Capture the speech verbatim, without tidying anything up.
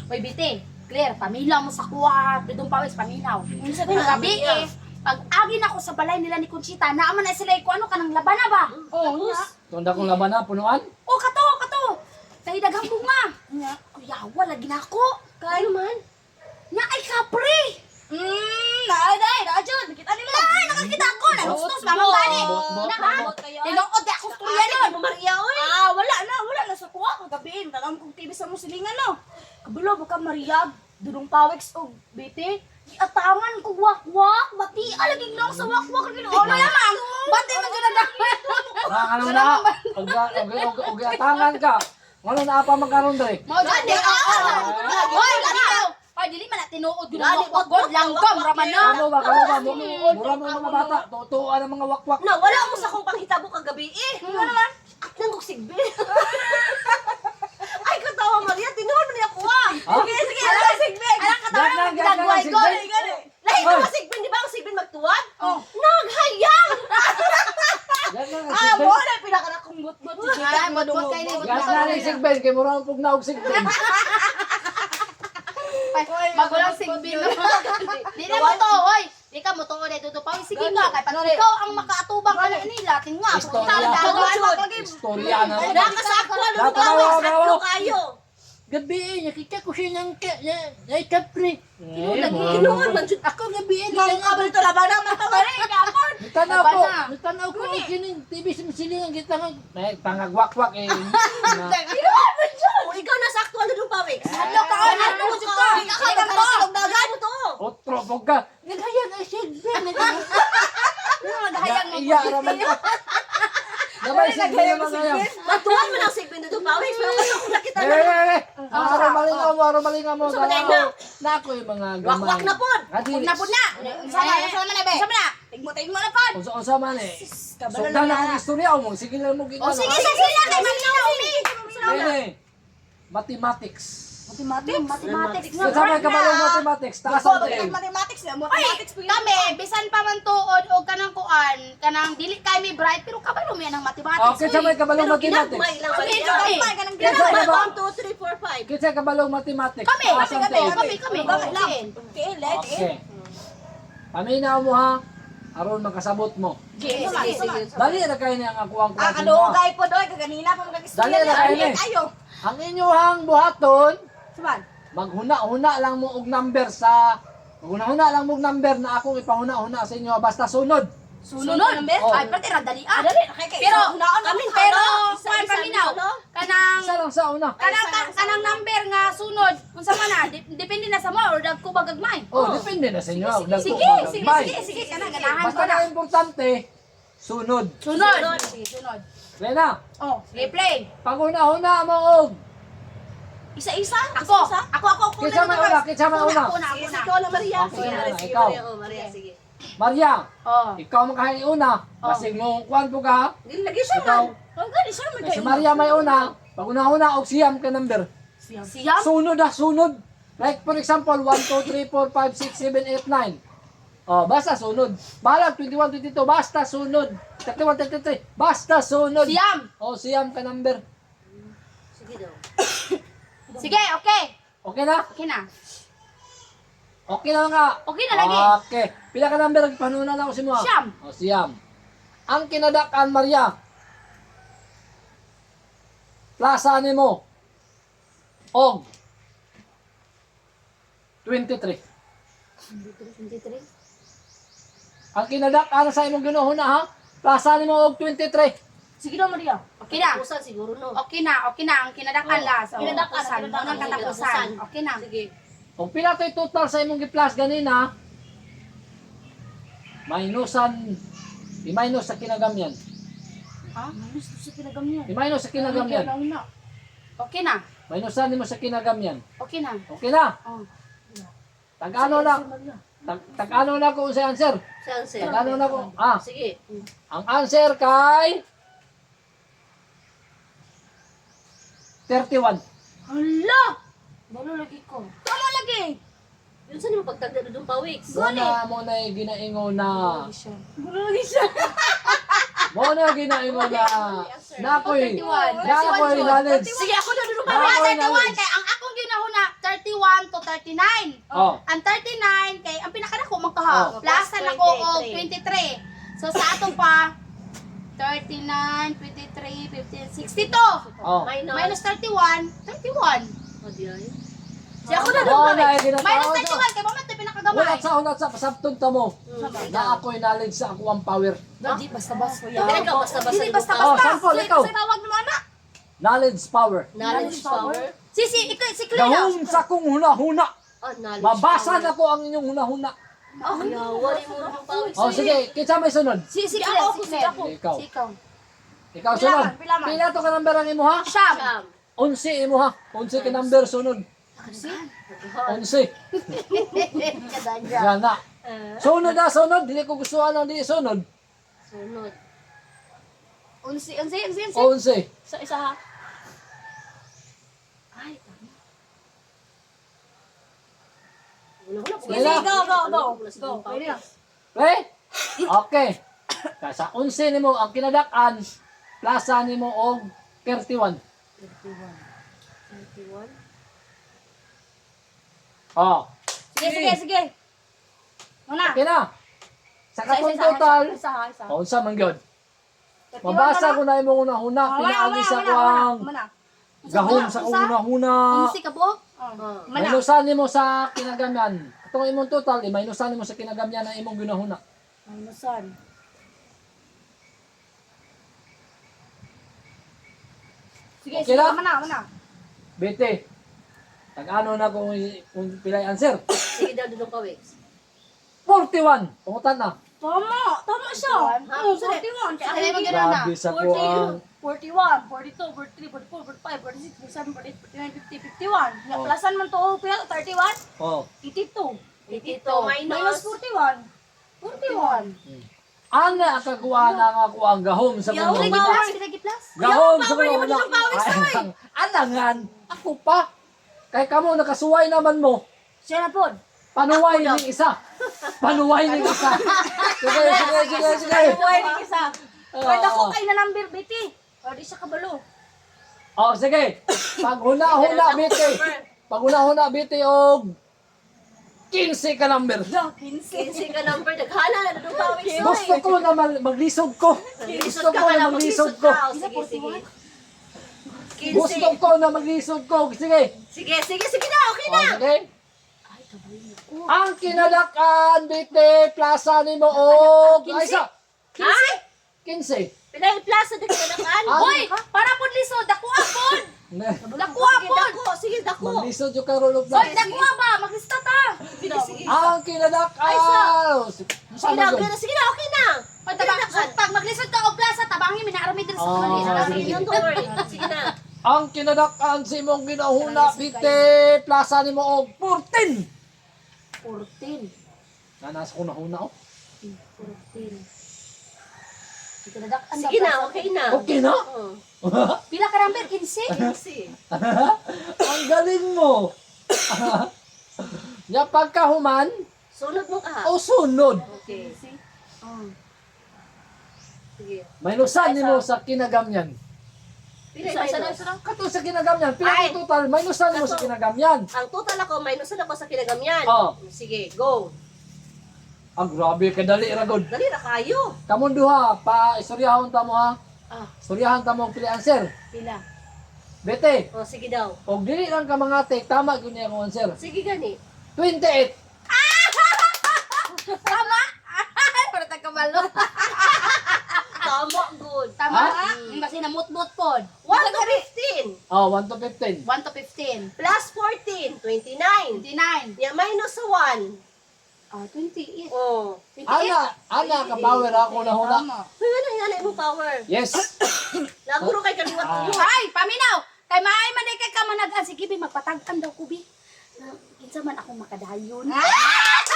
Hoy, Biti, Claire, paminaw mo sa kuha, dudong pawis, paminaw. Gabi eh, pag agin ako sa balay nila ni Conchita, naaman na sila ko ano kanang labana ba? Oo, nga. Tunda kong laban na, punuan. Oh, kato, kato. Kay daghang bunga. Nga, kuyawa lagi na ako. Kay man. Nga ay kapre. Hmm, naaday, naadyan. Nakita nila. Ay, nakakita ako. Nagustos, mamang bani. Tinuod di ako storya nun. Maria, oy. Ah, wala na, wala na sa kuha. Kagabihin, dalam kong T V sa musilingan, no. Kabalo, baka Maria, dudong pawex o biti. Atangan ko wak-wak. Bati, alaging lang sa wak-wak. Oh, na lamang. Bati man dyan na Ah, ano na? Ugi atangan ka. Ano na apa magkaroon dre? Mau jadi ah. Hoy, ikaw. Hoy, dili man na tinuod yun ang wak-wak. Langgam, raman na. Ano ba? Ano ba? Mura mo mga bata. Tutuan ang mga wakwak. Na, wala mo sa kong panghitabo kagabi eh. Ano naman? At nang sigbi. Ay, katawa Maria, tinuod mo niya ko ah. Sige, sige, alam sigbi. Alang katawa Yan na lang, yan ginagway lang, ko. sigbin. Lahi ko masigbi, di ba ang sigbi magtuwad? Oh. Naghayang! Yan na Ah, sigbin. mo na pinaka na kong but-but. Ay, madungkot kayo ni. Yan na rin sigbin. Kaya mura ang pugnaog sigbin. Magulang sigbin na. Di na mo to, hoy. Di ka mo to, hoy. Duto pa. Sige nga, kay pag ikaw ang makaatubang ka na nila. Tinga, Istorya. Istorya na. Nakasakwa, Dapat lumutawa, daw, sakto daw. kayo. Gabi, nakita ko siya ng ka, na, na kapre. Kinuha man jud. Ako gabi, Mga kabal to laban naman to rin, kapon. Nagtanaw ko. natanaw ko ang kining T V sa masilingan kita nga. May pangagwakwak eh. Na- Kinuha man jud. O ikaw nasakto ano dong pawik? Ano ka, ano Ano ka, ka? Ikaw ka tulog dagan mo to. Otro, pog ka. Naghayan ang sigbe. Nagahayang mo. Iya, raman ka. Gabay, sigbin naman ngayon. Matuwan mo ng sigbi dong pawik. Pero kung ako nakita Eh, na. eh, eh. Araw malingaw mo, araw malingaw mo. Sa balay na. Na ako yung mga gamay. Wakwak na pod. Adi, Puna, puna. Sama, sama na, be. Sama na. Tigmo, tigmo na, pod. unsa-unsa man eh. Sugdan na akong istorya mo. Sige lang mo ginagawa. O, sige, sige, sige. Kay Manila, umi. Ini, mathematics. Mathematics. Mathematics. Sa may kabalong mathematics, taas ang tail. Mathematics na. Ay, kami, bisan pa man tuod o kanang kuan, kanang dili kay mi bright, pero kabalo mi ang mathematics. Okay, sa may kabalong Pero ginagmay mathematics. lang ba Kami, niya? kami. Kaya sa Ginagmay. kaba- one, two, three, four, five. Kaya sa kabalong mathematics, Kami, taas kami, ang kami, tail. kami, kami. Kami lang. Okay. Okay, let it. Okay. Paminaw mo ha, aron makasabot mo. Sige, Sige, sige. sige. Dali na kayo niya ang akuang Ah, klase ano, mo. gay po doy, kaganina pa Dali mag-istorya na kayo ni. Ayo. Ang inyuhang buhaton, Saban. maghuna-huna lang mo og number sa maghuna-huna lang mo og number na akong ipahuna-huna sa inyo basta sunod. Sunod. Oh. Ay, pati ra dali ah. Dali, okay, kay. Pero, kami pero, kuan paminaw. Kanang Isa lang sa una. kanang ka- kanang number nga sunod unsa man na dip- depende na sa mo or dagko ba gagmay. Oh, depende na sa inyo. Dagko Sige, ba sige, gagmay. sige, sige, kana ganahan Basta ko na. na importante, sunod. Sunod. Sige, sunod. Lena, Oh, sige, play. panguna-huna mo og Isa-isa? Ako, Isa-isa? ako, ako, ako. Kinsa man una, kinsa man una. Ako na, ako Sige, na. ikaw na Maria. Okay, Sige, na, Maria, sige, ikaw. Maria, oh, Maria, sige. Maria, Oh. ikaw makahay una. Basig mo kwan po ka. Lagi siya Ikaw. man. Ang gani siya man Si Maria may una. Panguna-una og siyam ka number. Siyam? Sunod ah, sunod. Like for example, one, two, three, four, five, six, seven, eight, nine. Oh, basta sunod. Balag, twenty-one, twenty-two, basta sunod. thirty-one, thirty-three, basta sunod. Siyam. Oh, siyam ka number. Sige daw. Sige, okay. Okay na? Okay na. Okay na nga. Okay na lagi. Okay. Pila ka number ang panuna na ako si mo? ah? Siyam. Oh, siyam. Ang kinadakan, Maria. Plaza ni mo. Og. twenty-three. twenty-three. Ang kinadak-an sa imong ginuhuna ha? Plaza ni mo og twenty-three. Sige na, Maria. Okay na. Pusan siguro no. Okay na, okay na. Ang kinadakan Oh. la. So, Kinadakan, katapusan. kinadakan, Unang katapusan. katapusan. Okay na. Sige. Kung pila to'y total sa imong gi-plus ganina, minusan, i-minus sa kinagamyan. Ha? Minus sa kinagamyan. I-minus sa kinagamyan. Okay na. Minusan nimo sa kinagamyan. Okay na. Okay na? Oh. Tag-ano na? Tag- Tag-ano na ko sa answer? Saan sir? Tag-ano na ko? Ah, Sige. ang answer kay thirty-one. Hala! Balo lagi ko. Tama lagi! Yun saan yung pagtagda doon pa weeks? Mo na mo na ginaingo na. Balo lagi siya. Mo na ginaingo na. Nakoy. thirty-one. Nakoy knowledge. Sige, ako na doon pa Nakoy thirty-one. knowledge. Kaya ang akong ginahuna, thirty-one. thirty-nine. Oh. Ang thirty-nine, kay ang pinakadako magkaha. Oh. Plus na ko og twenty-three. twenty-three. So sa ato pa, thirty-nine, twenty-three, fifteen, sixty-two. Oh. Minus. Minus thirty-one, thirty-one. O, di ay. Si ako na Oh, doon na kawit. ginataon Minus sa. thirty-one, kay moment na pinakagamay. Ulat sa ulat sa pasabtod ta mo. Na ako'y knowledge sa ako ang power. Di basta-basta. Dili ka basta-basta. Dili Oh, basta-basta. sample, So, ikaw. ito sa tawag mo na. Knowledge power. Knowledge power. Si, si, ikaw, si Clea. Gahom sa kong huna-huna. Oh, knowledge Mabasa power. na ko ang inyong huna-huna. Oh, Yawa, di mo nang pawis. Oh, sige, kinsa may sunod? Si, si Si Clea, ako, si si Clea. ako. Ikaw. Si ikaw. Ikaw Pila sunod. man, pila man. Pila to ka number ang imo ha? Siyam. Siyam. Unsi imo ha. Unsi ka number sunod. Unsi. Kadadya. Yan na. Ah, Sunod na sunod. Dili ko gustuhan ang di sunod. sunod. Unsi, unsi, unsi, unsi. Unsi. Sa isa ha. Ay, Una-una po. Sige, go, go, go. Go. pwede na. Okay? Okay. Kaya sa unsi nimo ang kinadak-an, plasa nimo og thirty-one. thirty-one. Oh. Sige, sige, sige. Una. Okay na. Sa Isa, katong isa, isa, total, Isa, ha, isa. oh, unsa man gyud. Mabasa ko na imong una-una, pinaagi sa ko ang gahom sa kong una-una. Unsi ka po? Ah. Mana. Minusan nimo sa kinagamyan. Katong imong total, eh, minusan nimo sa kinagamyan na imong ginahuna. Minusan. Sige, Okay sige, lang? mana, mana. Bete. Tag-ano na kung, kung pilay answer. Sige daw doon kawit. forty-one. Pungutan na. Tama, tama siya. Ha? Oh, forty-one. Kaya Sige, mo gano'n na. Grabe sa ko ang... forty-one, forty-two, forty-three, forty-four, forty-five, forty-six, forty-seven, forty-eight, forty-nine, fifty, fifty-one. Nga, Oh. plusan man to, oh, pila, thirty-one, Oh. eighty-two. eighty-two Minus minus. forty-one. forty-one. Ana kakuha na nga ko ang gahom sa Yaw, kong lagi una. plus, lagi plus. Gahom sa power, kong yung una. mga pawis, Ay, ang- Alangan. Ako pa. Kay kamo nakasuway naman mo. Siya na po. Panuway ni isa. Panuway ni isa. Sige, sige, sige, sige. Buhay ni isa. Oo. Pwede ko kay na number, Betty. O, di siya kabalo. Oh, sige. Pag huna-huna biti. Pag huna-huna biti og fifteen ka number. Kinsi ka number. Naghana na doon pawis. Gusto ko na mag- maglisod ko. Gusto ko na maglisod ko. Sige, sige. Gusto ko na maglisod ko. Sige. Sige, sige, sige na. Okay na. Oh, sige. Ang kinalakan, biti, plaza ni mo og... Ay, sa... Ay! quince. Pinay plaza din ka nakan. Ah. Hoy, para po lisod, dako apod. Ne. Dako Sige, apod. dako. Sige, dako. Maglisod yung karulog Hoy, na. dako ba? Maglista ta. Sige, sige. Ang kinalakan. Ay, sa- Sige Sige na, okay na. Sige na, okay na. Pag, tabang, pag maglisod ka og plaza, tabangin mi na arami din sa Ah, kanila. sige. Sige, don't worry. Sige na. Ang kinalakan si mong ginahuna, biti, plaza ni mo og fourteen. fourteen. Nanas ko na huna, oh. fourteen. Ikinadak Sige na, okay na. Okay na? Oo. Pila ka number? quince? Kinsi. Ang galing mo. Ya pagkahuman, Sunod mo ka. o sunod. Okay. Oh. Sige. Minusan ni mo sa kinagamyan. Pinay Isa, isa na, minus. isa na. Kato sa kinagamyan, pila Ay. yung total, minusan ni mo sa kinagamyan. Ang total ako, minusan ako sa kinagamyan. Oh. Sige, go. Ang grabe, kadali ragod. Dali na kayo. Kamon duha, pa istoryahon ta mo ha. Ah, Istoryahan ta mo ang pili answer. pila. Bete, O, sige daw. og dili lang ka mga take, tama gyud niya ang answer. Sige gani. twenty-eight. Tama! Para tagkabalo. Tama, good. Tama Ha? ha? Basi na mut-mut pod. one to fifteen. Oh, one to fifteen. one to fifteen. Plus fourteen. twenty-nine. twenty-nine. Yeah, minus sa one. Ah, twenty-eight. Oh. Ana, ana ka power ako na huna. Tama. Uy, ano yung mo power? Yes. Laguro kay kaliwat Ah. niyo. Ay, paminaw! Kay maay man kay ka managan si Kibi magpatag-an daw kubi. Na kinsa man ako makadayon. Ah!